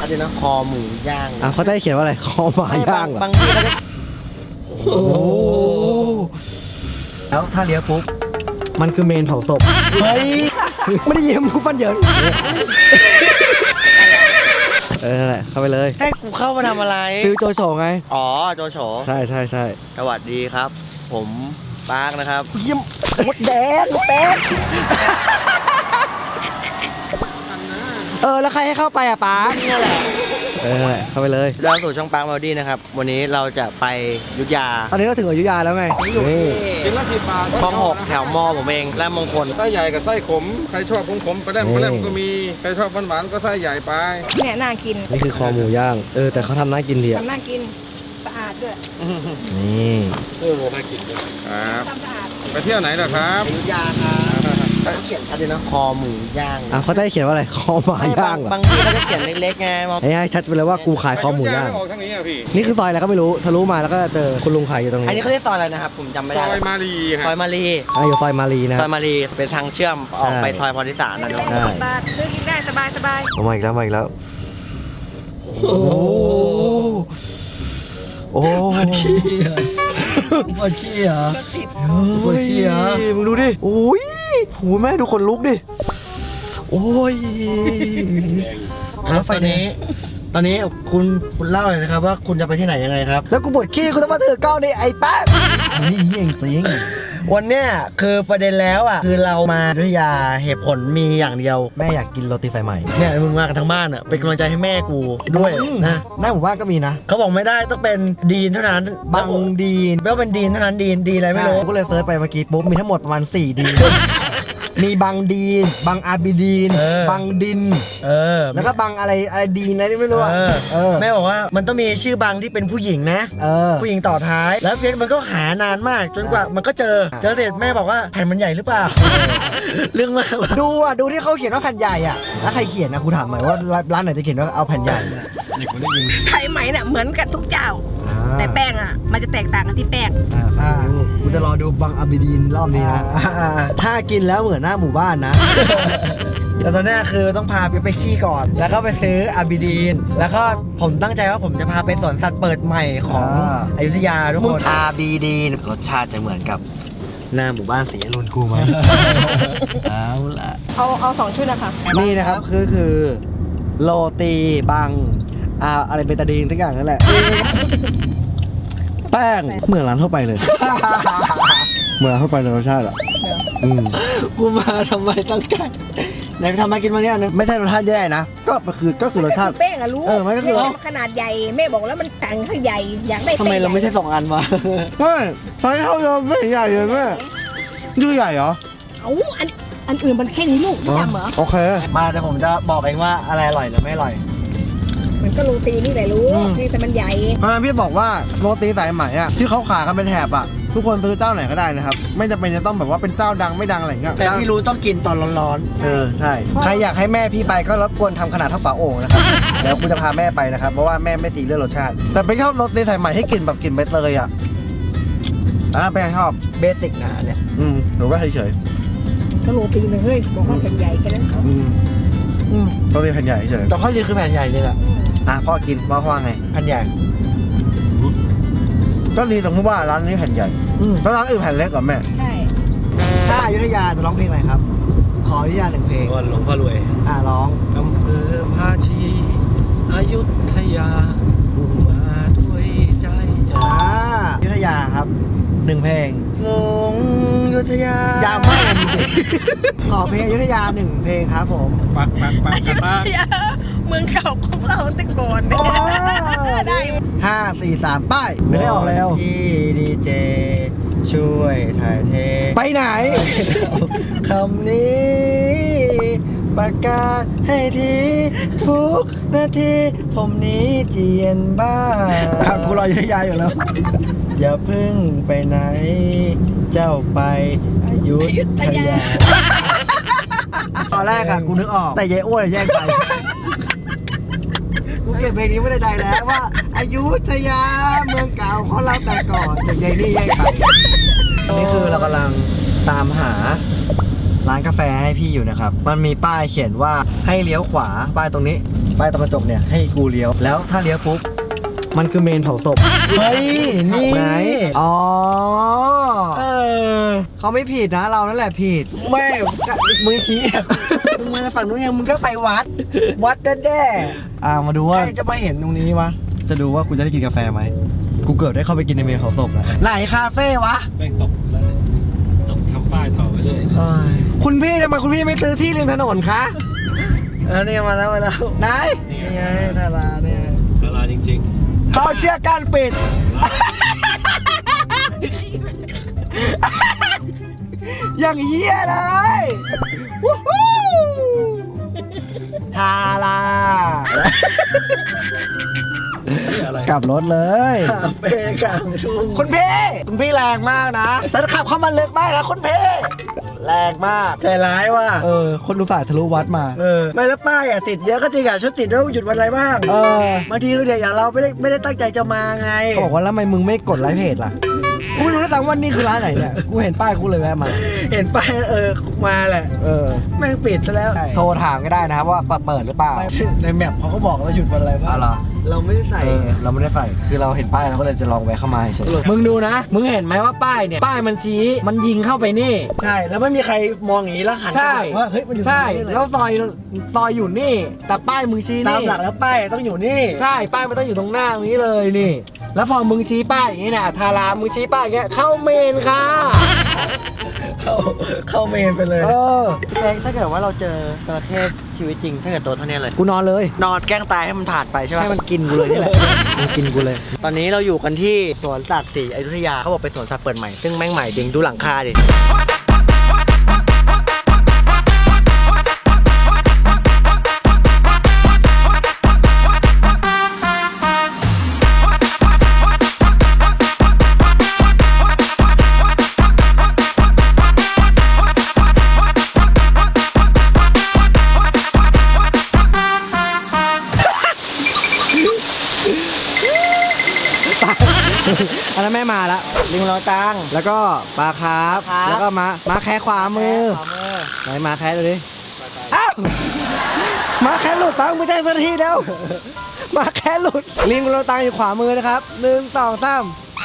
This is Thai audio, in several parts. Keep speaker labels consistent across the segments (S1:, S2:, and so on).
S1: เลยนะคอหมูย่าง
S2: เขาได้เขียนว่าอะไรคอหมาย่าง
S1: บางที่เขาจะ
S2: โอ้แล้วถ้าเลี้ยวปุ๊บมันคือเมนเผาศพเฮ้ยไม่ได้ยิ้มกูฟันเหยินนั่นแหละเข้าไปเลย
S1: ให้กูเข้ามาทำอะไร
S2: ฟิวโจโฉไง
S1: อ๋อโจโฉ
S2: ใช่
S1: สวัสดีครับผมปาร์คนะครับ
S2: ยิ้มมดแดงแล้วใครให้เข้าไปปาร์ค
S1: นี่แหละ
S2: เข้าไปเลย
S1: เราสู่ช่องปาร์คมาดี้นะครับวันนี้เราจะไปอยุธยา
S2: ตอนนี้เราถึงอยุธยาแล้วไง
S3: ชิ้นละ10 บาท
S1: คลอง 6แถวมอผมเองและมงคล
S3: ไส้ใหญ่กับไส้ขมใครชอบขมก็ได้ก็มีใครชอบหวานก็ไส้ใหญ่ไป
S4: เนี่ยน่ากิน
S2: นี่คือคอหมูย่างแต่เขาทำน่ากินดี
S4: ทำน่ากินสะอาดด้วย
S2: นี่
S3: น่ากินด้วยครับไปเที่ยวไหนล่ะครับ
S1: อยุธยาครับเขาเขียนชัดเลยนะคอหมูย่าง
S2: เขาได้เขียนว่าอะไรคอหมาย่าง
S1: บางที่เขาจะเขียนเล็กๆไง
S2: ให้ชัดไปเลยว่ากูขายคอหมูย่าง
S3: ออกทางนี้อ่ะพี่
S2: นี่คือซอยอะไรก็ไม่รู้ทะลุมาแล้วก็เจอคุณลุงขายอยู่ตรงนี้
S1: อันนี้เขาเรียกซอยอะไรนะครับผมจำไม่ได้
S3: ซอยมารี
S1: ซอยมารี
S2: อยู่ซอยมารีนะ
S1: ซอยมารีเป็นทางเชื่อมออกไปซอยพรทิสารนะเนาะ
S4: บาทซื้อกินได้สบาย
S2: มาอีกแล้วโอ้ปวดขี้เหรอปวดขี้เหรอมึงดูดิโอ้ยหูแม่ดูคนลุกดิโอ้ย
S1: แล้วตอนนี้คุณเล่าเลยนะครับว่าคุณจะไปที่ไหนยังไงครับ
S2: แล้วกูปวดขี้กูต้องมาถือกล้องดิไอ้แป๊ะนี่เยี่ยงจริง
S1: วันเนี้ยคือประเด็นแล้วคือเรามาอยุธยาเหตุผลมีอย่างเดียว
S2: แม่อยากกินโรตีสายไหม
S1: เนี่ยมึงมากันทั้งบ้านเป็นกำลังใจให้แม่กูด้วยนะ
S2: หน้าหมู่บ้านก็มีนะ
S1: เขาบอกไม่ได้ต้องเป็นดีนเท่านั้น
S2: บางดีน
S1: ไม่ว่าเป็นดีนเท่านั้นดีอะไรไม่รู้
S2: ก็เลยเซิร์ชไปเมื่อกี้ปุ๊บมีทั้งหมดประมาณ4ดีนมีบางดีนบางอาบิดีนบางดินแล้วก็บางอะไรดีนอะไรที่ไม่รู้
S1: แม่บอกว่ามันต้องมีชื่อบางที่เป็นผู้หญิงนะผู้หญิงต่อท้ายแล้วเพชรมันก็หานานมากจนกว่ามันก็เจอเสร็จแม่บอกว่าแผ่นมันใหญ่หรือเปล่าเรื่องมาก
S2: ดูที่เขาเขียนว่าแผ่นใหญ่อ่ะแล้วใครเขียนนะกูถามหน่อยว่าร้านไหนจะเขียนว่าเอาแผ่นใหญ่
S4: ไทยไหมเนี่ยเหมือนกันทุกเจ้าแต่แป้งมันจะแตกต่างกันที่แป้ง
S2: กูจะรอดูบางอาบิดีนรอบนี้นะถ้ากินแล้วเหมือนหน้าหมู่บ้านนะ
S1: แต่ตอนนี้คือต้องพาไปขี้ก่อนแล้วก็ไปซื้ออาบิดีนแล้วก็ผมตั้งใจว่าผมจะพาไปสวนสัตว์เปิดใหม่ของอยุธยาทุกคน
S2: อาบิดีนรสชาติจะเหมือนกับหน้าหมู่บ้านสีอรุณกูไหมเอาละ
S4: เอา2 ชุดนะคะ
S2: นี่นะครับคือโรตีบางอะไรเบตาดีนทุกอย่างนั่นแหละแป้งเหมือนร้านทั่วไปเลยเหมือนร้านทั่วไปเลยรสชาติอ่ะ
S1: กูมาทำไมตั้งใจไหนทำมากินมาเนี่ย
S2: ไม่ใช่รสชาติแย่นะก็คือรสชาติ
S4: แป้งรู้
S2: มันก็คือ
S4: ขนาดใหญ่แม่บอกแล้วมันแต่งให้ใหญ่อยากได้
S1: ทำไมเราไม่ใช่2 อันมา
S2: ไม่ตอนนี้เท่าเดิมไม่ใหญ่เลยแม่ดูใหญ่เหรอ
S4: อันอื่นมันแค่นี้ลูกไม่จำเหรอ
S2: โอเค
S1: มาแต่ผมจะบอกเองว่าอะไรอร่อยหรือไม่อร่อย
S4: มันก็โรตีนี่แหละรู้นี่แต่มันใหญ่
S2: เพราะฉะนั้นพี่บอกว่าโรตีสายไหมที่เขาขายกันเป็นแถบทุกคนซื้อเจ้าไหนก็ได้นะครับไม่จำเป็นจะต้องแบบว่าเป็นเจ้าดังไม่ดังอะไรเงี้ย
S1: แต่พี่รู้ต้องกินตอนร้อน
S2: ๆใช่ใครอยากให้แม่พี่ไปก็รบกวนทำขนาดเท่าฝาโอ่งนะครับเดี๋ยวกูจะพาแม่ไปนะครับเพราะว่าแม่ไม่ตีเรื่องรสชาติแต่เป็นชอบโรตีสายไหมให้กลิ่นแบบกลิ่นใบเตยเป็นชอบ
S1: เบสิกนะเนี่ย
S2: หรือว่าเฉย
S4: ๆก็โรตีเลยเฮ้ยบอกว่าแผ่นใหญ่แค่นั้น
S2: โรตีแผ่นใหญ่เฉย
S1: แต่ข้อดีคือแผ่นใหญ่เลยแหละ
S2: พ่อกินว่าไง
S1: แผ่นใหญ่
S2: ก็ดีตรงที่ว่าร้านนี้แผ่นใหญ่แล้วร้านอื่นแผ่นเล็กกว่าแม่
S4: ใช่
S2: ถ้าอยุธยาจะร้องเพลงอะไรครับขออนุญาต1 เพลง
S1: หลวงพ่อรวย
S2: ร้อง
S1: อำเภอภาชีอยุธยาบุกมาด้วยใจ
S2: อยุธยาครับ1 เพลง
S1: หลงอยุธยาย
S2: าวมากจริงๆขอเพลงอยุธยา1 เพลงครับผม
S1: ปัก
S4: อยุธยาเมืองเก่าของเราแต่ก่อน
S2: ได้5 4 3ป้ายไม่ได้ออกแล้ว
S1: พี่ดีเจช่วยถ่ายเท
S2: ไปไหน
S1: คำนี้ประกาศให้ทีทุกนาทีผมนี้เจียนบ้า
S2: กูรออยุธยาอยู่แล้ว
S1: อย่าพึ่งไปไหนเจ้าไปอยุธยา
S2: ตอนแรกกูนึกออกแต่ยายอ้วนแย่งไปกูเก็บเพลงนี้ไม่ได้ใจแล้วว่าอยุธยาเมืองเก่าของเราแต่ก่อนแต่ยายนี่แย่งไปนี่คือเรากำลังตามหาร้านกาแฟให้พี่อยู่นะครับมันมีป้ายเขียนว่าให้เลี้ยวขวาป้ายตรงนี้ป้ายตรงกระจกเนี่ยให้กูเลี้ยวแล้วถ้าเลี้ยวปุ๊บมันคือเมนเผาศพ
S1: เฮ้ยนี่
S2: ไหนอ๋อ
S1: เออ
S2: เขาไม่ผิดนะเรานั่นแหละผิด
S1: ไม่มึงชี้อะมึงมาฝั่งนู้นยังมึงก็ไปวัดแด้
S2: มาดู
S1: ๆ
S2: ว่า
S1: ใครจะมาเห็นตรงนี้วะ
S2: จะดูว่ากูจะได้กินกาแฟไหมกูเกือบได้เข้าไปกินในเมนเผาศพแล้วไหนคาเฟ่วะ
S3: แม่งตกแล้วเนี่ยต้องทำป้ายต่อไปเลย
S1: เอ้ย
S2: คุณพี่ทำไมคุณพี่ไม่ซื้อที่ริมถนนคะ
S1: เนี่ยมาแล้ว
S2: ไหน
S1: นี่ไงดาราเนี่ย
S3: เวลาจริง
S2: เขาเชื่อการปิด อย่างเหี้ยเลยวู้ฮู้ทารา
S3: ๆอะไร
S2: กลับรถเลย
S1: คาเฟ่กลางทุ่ง
S2: คุณพี่แรงมากนะฉันขับเข้ามาลึกมากนะคุณพี่แรงมาก
S1: ใจร้ายว่ะ
S2: คนอุตส่าห์ทะลุวัดมา
S1: ไม่แล้วป้ายอ่ะติดเยอะก็จริงอ่ะชุดติดแล้วหยุดวันอะไรบ้าง บางทีคือเด็กอย่างเราไม่ได้ตั้งใจจะมาไง
S2: เขาบอกว่าแล้วทำไมมึงไม่กดไลค์เพจล่ะ กูไม่รู้นะตังว่านี่คือร้านไหนเนี่ย กูเห็นป้ายกูเลยแวะมา
S1: เห็นป้ายมาแหละ แม่งปิดซะแล้ว
S2: โทรถามก็ได้นะครับว่าเปิดหรือเปล่า
S1: ไม่ในแมปเขาก็บอกว่าหยุดวันอะไรบ้าง
S2: อ๋อเหรอ
S1: เราไม่ได้ใส่
S2: เราไม่ได้ใส่ คือเราเห็นป้ายเราก็เลยจะลองแวะเข้ามาเฉยมึงดูนะ มึงเห็นไหมว่าป้ายเนี่ย ป้ายมันชี้มันยิงเข้าไปนี่
S1: ใช่แล้วไม่มีใครมองอย่างนี้แล้วหัน
S2: ใช่
S1: ไปว่าเฮ้ยมันอยู่
S2: ใช่
S1: ตรงนี้เลย
S2: แล้วซอยอยู่นี่ แต่ป้ายมึงชี้
S1: ตาม
S2: นี่
S1: หลักแล้วป้ายต้องอยู่นี่
S2: ใช่ ป้ายมันต้องอยู่ตรงหน้าตรงนี้เลยนี่ แล้วพอมึงชี้ป้ายอย่างนี้นะทารามึงชี้ป้ายอย่างเงี้ยเข้าเมนค่ะ
S1: เข้าเมนไปเลย
S2: เออ
S1: แรงถ้าเกิดว่าเราเจอจระเข้ชีวิตจริงถ้าเกิดตัวเท่านี้เลย
S2: กูนอนเลย
S1: นอนแกล้งตายให้มันผ่านไปใช่ไหม
S2: ให้มันกินกูเลยนี่แหละมันกินกูเลย
S1: ตอนนี้เราอยู่กันที่สวนสัตว์ศรีอยุธยาเขาบอกเป็นสวนสัตว์เปิดใหม่ซึ่งแม่งใหม่จริงดูหลังคาดิ
S2: อันนั้นแม่มาแล้ว
S1: ลิงเราตัง
S2: แล้วก็ปลาคาร์ฟ
S1: ปลาคาร์ฟ
S2: แล้วก็ม้าแค่ขวามือ ไหนม้าแค่ดูดิ อ้าวม้าแค่หลุดตังไม่ได้สักทีเดียวม้าแค่หลุด ลิงเราตังอยู่ขวามือนะครับ1 2 3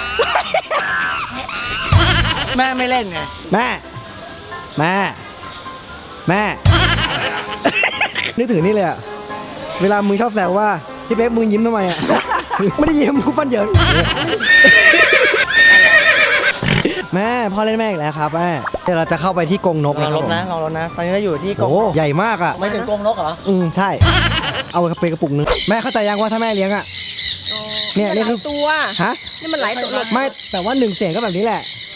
S1: แม่ไม่เล่นไง
S2: แม่ นึกถึงนี่เลยอะเวลามึงชอบแซวว่าพี่เป๊กมึงยิ้มทำไมอะ ไม่ได้ยิ้มกูฟันเหยิน แม่พ่อเล่นแม่อีกแล้วครับแม่เดี๋ยวเราจะเข้าไปที่กรงนก
S1: ลองรถนะ
S2: ผม
S1: ลองรถนะ ตอนนี้เราอยู่ที่กรง
S2: โอ้ใหญ่มากอะ
S1: ไม่ถึงกรงนกเหรอ
S2: ใช่ เอาไปกระปุกนึงแม่เข้าใจยังว่าถ้าแม่เลี้ยงอะเนี่ยนี่คือ
S4: ตัว
S2: ฮะ
S4: นี่มันหลายตัว
S2: ไม่แต่ว่า1 เสียงก็แบบนี้แหละ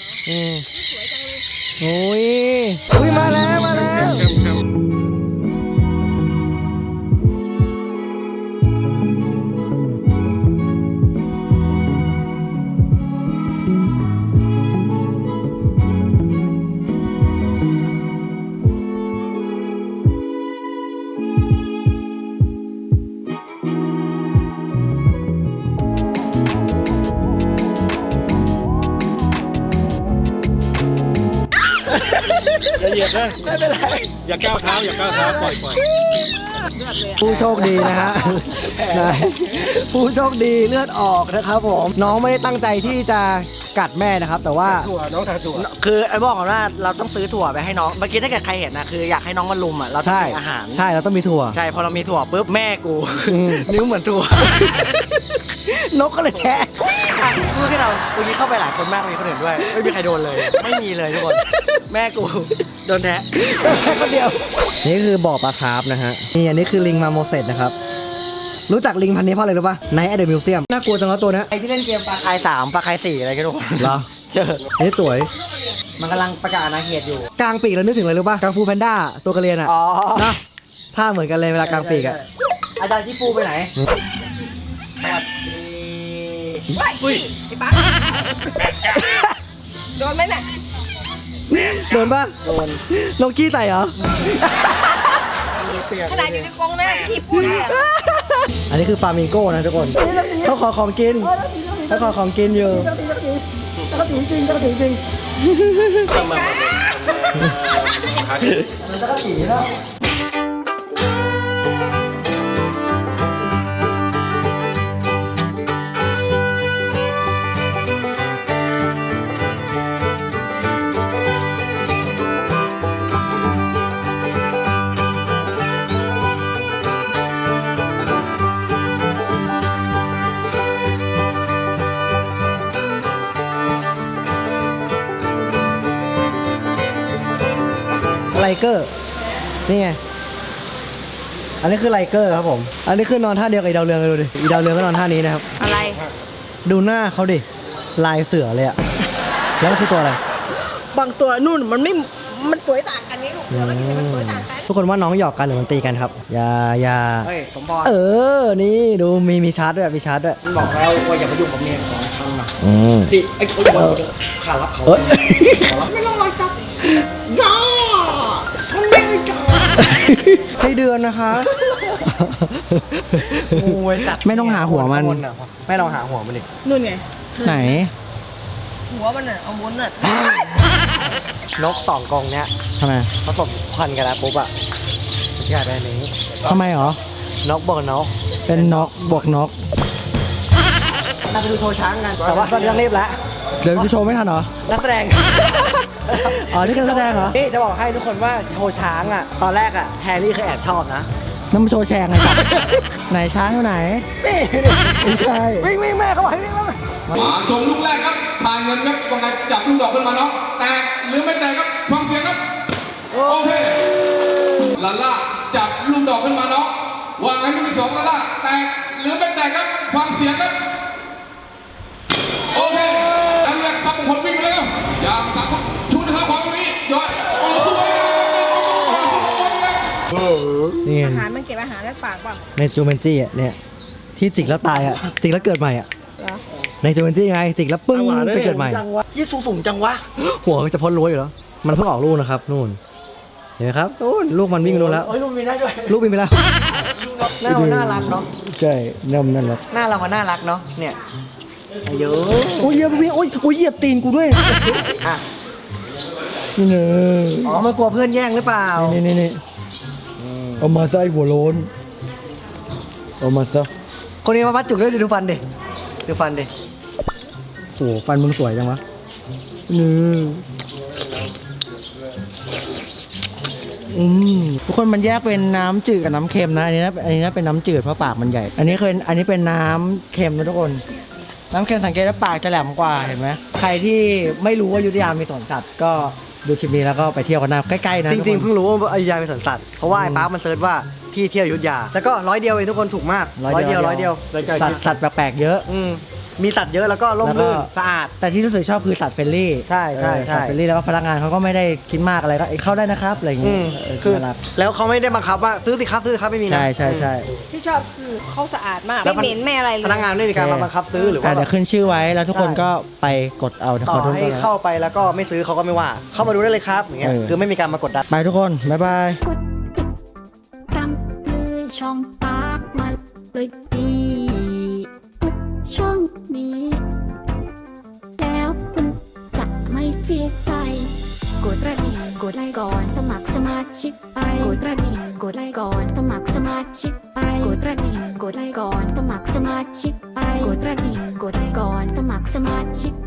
S2: โอ้ยมาแล้ว
S3: อย่าเหยียบนะไม่เป็นไรอย่าก้าวเท้าปล่อย
S2: ผู้โชคดีนะฮะ ผู้โชคดีเลือดออกนะครับผม น้องไม่ได้ตั้งใจที่จะกัดแม่นะครับ แต่ว่า
S3: ถั่วน้องทาถั่ว
S1: คือไอ้บอกก่อนว่าเราต้องซื้อถั่วไปให้น้อง เมื่อกี้ถ้าเกิดใครเห็นนะคืออยากให้น้องมาลุมอ่ะ เราต้อง
S2: ใช่
S1: มีอาหาร
S2: ใช่เราต้องมีถั่ว
S1: ใช่ พอเรามีถั่วปุ๊บแม่กู
S2: อืม
S1: นิ้วเหมือนถั่ว
S2: นกก็เลยแทะ
S1: อ่ะเมื่อกี้เราเมื่อกี้เข้าไปหลายคนมากมีคนอื่นด้วย ไม่มีใครโดนเลย ไม่มีเลยทุกคน แม่กูโดนแทะ
S2: แค่คนเดียว นี่คือบ่อปลาคาร์ฟนะฮะ นี่อันนี้คือลิงมาโมเสสนะครับ รู้จักลิงพันธุ์นี้เพราะอะไรรู้ป่ะไนท์แอดเดอะมิวเซียมน่ากลัวจังเลยตัวเนี้ย
S1: ไอที่เล่นเกมปลาคาย3ปลาคาย4อะไรกันทุกคน
S2: เหรอ
S1: เจอ
S2: นี่สวย
S1: มันกำลังประกาศอาณาเขตอยู่
S2: กลางปีกแล้วนึกถึงอะไรรู้ป่ะกังฟูแพนด้าตัวกระเรียนอ่ะ
S1: อ๋อ
S2: นะท่าเหมือนกันเลยเวลากลางปีกอ่ะ
S1: อาจารย์ที่ปูไปไหนสวัสดี
S4: อุ้ยไอ้ปั๊กโดนไหมเนี่ย
S2: โดนป่ะ
S1: โดน
S2: ลงขี้ไต่เหรอ
S1: เปียก
S4: ขนาดอยู่ในกรงนะที่พูดเนี่ย
S2: อันนี้คือฟลามิงโก้นะทุกคนเขาขอของกินเขาขอของกินอยู่
S1: จริงจริง
S4: เห็น
S3: หาที่
S1: มันจะผีแล้ว
S2: ไลเกอร์ นี่ไง
S1: อันนี้คือไลเกอร์ครับผม
S2: อันนี้คือนอนท่าเดียวกับอีดาวเรืองเลยดูดิ อีดาวเรืองก็นอนท่านี้นะครับ
S4: อะไร
S2: ดูหน้าเขาดิ ลายเสือเลยอะแล้วมันคือตัวอะไร
S4: บางตัวนู่นมันสวยต่างกันนี่ลูกเสือก็ยังมันสวยต่างกัน
S2: ทุกคนว่าน้องหยอกกันหรือมันตีกันครับ อย่า
S1: เฮ้ยสมพร
S2: นี่ดูมีชาร์จด้วย มีชาร์จด้วย
S1: บอกแล้วว่าอย่ามายุ่งกับเมียของฉันนะ
S2: อืม
S1: พี่ไอ้คนขารับเขา
S2: เอ้ย
S1: ไม่ต้องรอจับย่าทำไม่ได้กัน
S2: ใช่เดือนนะคะ
S1: งูไอ้สัตว์
S2: ไม่ต้องหาหัวมัน
S1: ไม่ต้องหาหัวมันดิ
S4: นู่นไง
S2: ไหน
S4: หัวมันอ่ะเอามุนอ่ะ
S1: นกสองกรงเนี้ย
S2: ทำไม
S1: ผสมพันธุ์กันแล้วปุ๊บอะอยากได้นี้
S2: ทำไมหรอ
S1: นกบอกนก
S2: เป็นนกบวกนก
S1: เราไปดูโชว์ช้างกัน แต่ว่าตอนนี้ต้องรีบแล้ว
S2: เดี๋ยวจะโชว์ไม่ทันเหรอ
S1: นักแสดง
S2: อ๋อนี่คือแสดงเหรอ
S1: นี่จะบอกให้ทุกคนว่าโชว์ช้างอะตอนแรกอะแฮร์รี่เคยแอบชอบนะ
S2: น้ำมาโชว์แชร์ไงจ๊ะ ไหนช้างอยู่ไหน
S1: นี่
S2: ไม่ใช่
S1: วิ่งแม่เขาบอกให้วิ่งแม่
S3: มาชมลูกแรกครับทายเงินครับว่าไงจับลูกดอกขึ้นมาน้องแตกหรือไม่แตกครับฟังเสียงครับโอเคลาล่าจับลูกดอกขึ้นมาน้องวางให้ลูกที่สองลาล่าแตกหรือไม่แตกครับฟังเสียงครับโอเคอันแรกซับมงคลวิ่งไปแล้วอย่างสามคนชุดนะครับของนี้ย้อยโอ้สวยเลยต่อสู้กันครับ
S2: นี่
S4: อาหารมันเก็บอาหารในปากป่ะ
S2: ในจูเมนจี้อ่ะเนี่ย ที่จิกแล้วตายอ่ะ จิกแล้วเกิดใหม่อ่ะ
S4: เหรอ
S2: ในจูเมนจี้ไง จิกแล้วปึ้งไปเกิดใหม่
S1: ยี่สูงจังวะ
S2: หัวจะพ้นรั้วอยู่แล้ว มันเพิ่งออกลูกนะครับนู่น เห็นไหมครับนู่นลูกมันวิ่งไปนู่นแล้ว
S1: โอ้ยลูกมีได้ด้วย
S2: ลูกวิ่งไปแล้ว
S1: หน้ามันน่ารักเนาะ
S2: ใช่นั่นแหละ
S1: หน้าเราก็น่ารักเนาะ เนี่ยเยอะ
S2: โอ้ยเหยียบวิ่งโอ้ยเหยียบตีนกูด้วย
S1: อ่ะ
S2: นี่เน
S1: อ๋อมันกลัวเพื่อนแย่งหรือเปล่า
S2: นี่เอามาใส่หัวโล้นเอามาซะ
S1: คนนี้มาพัดจุกด้วยดูฟันดิดูฟันดิ
S2: โอ้ฟันมึงสวยจังวะนี่ทุกคนมันแยกเป็นน้ำจืดกับน้ำเค็มนะอันนี้นะเป็นน้ำจืดเพราะปากมันใหญ่ อันนี้เป็นน้ำเค็มนะทุกคน น้ำเค็มสังเกตว่าปากจะแหลมกว่าเห็นไหมใครที่ไม่รู้ว่าอยุธยามีสวนสัตว์ก็ดูคลิปนี้แล้วก็ไปเที่ยวกันนะใกล้ๆนะ
S1: จริงๆ
S2: ทุกคน
S1: เพิ่งรู้ว่าอยุธยาเป็นสวนสัตว์ เพราะว่าไอ้ป๊าร์คมันเซิร์ชว่าที่เที่ยวอยุธยา แล้วก็100 เดียวเองทุกคนถูกมาก100 เดียว
S2: สัตว์แปลกๆเยอะ
S1: มีสัตว์เยอะแล้วก็ร่มรื่นสะอาด
S2: แต่ที่รู้สึกชอบคือสัตว์เฟรนลี่
S1: ใช่ใช่ใช่
S2: สัตว์เฟรนลี่แล้วก็พนักงานเขาก็ไม่ได้คิดมากอะไรก็เข้าได้นะครับอะไรอย่างเงี้ย
S1: คือ
S2: น่ารัก
S1: แล้วเขาไม่ได้บังคับว่าซื้อสิครับไม่มีนะ
S2: ใช่
S4: ที่ชอบคือเขาสะอาดมาก
S1: แล้ว
S4: ไม่เหม็นไม่อะไรเลย
S1: พนักงานไม่มีการมาบังคับซื้อหรือว่า
S2: เดี๋ยวขึ้นชื่อไว้แล้วทุกคนก็ไปกดเอา
S1: ต่อให้เข้าไปแล้วก็ไม่ซื้อเขาก็ไม่ว่า เข้ามาดูได้เลยครับอย่างเงี้ยคือไม่มีการมากดดัน
S2: ไปทุกคนบ๊ายบาย
S5: ตามเลยช่องปากมาเลยดีทุกช่องนี้ แล้วคุณจะไม่เสียใจ กดกระดิ่งกดไลค์ก่อนสมัครสมาชิกไปกดกระดิ่งกดไลค์ก่อนสมัครสมาชิกไปกดกระดิ่งกดไลค์ก่อนสมัครสมาชิกไปกดกระดิ่งกดไลค์ก่อนสมัครสมาชิก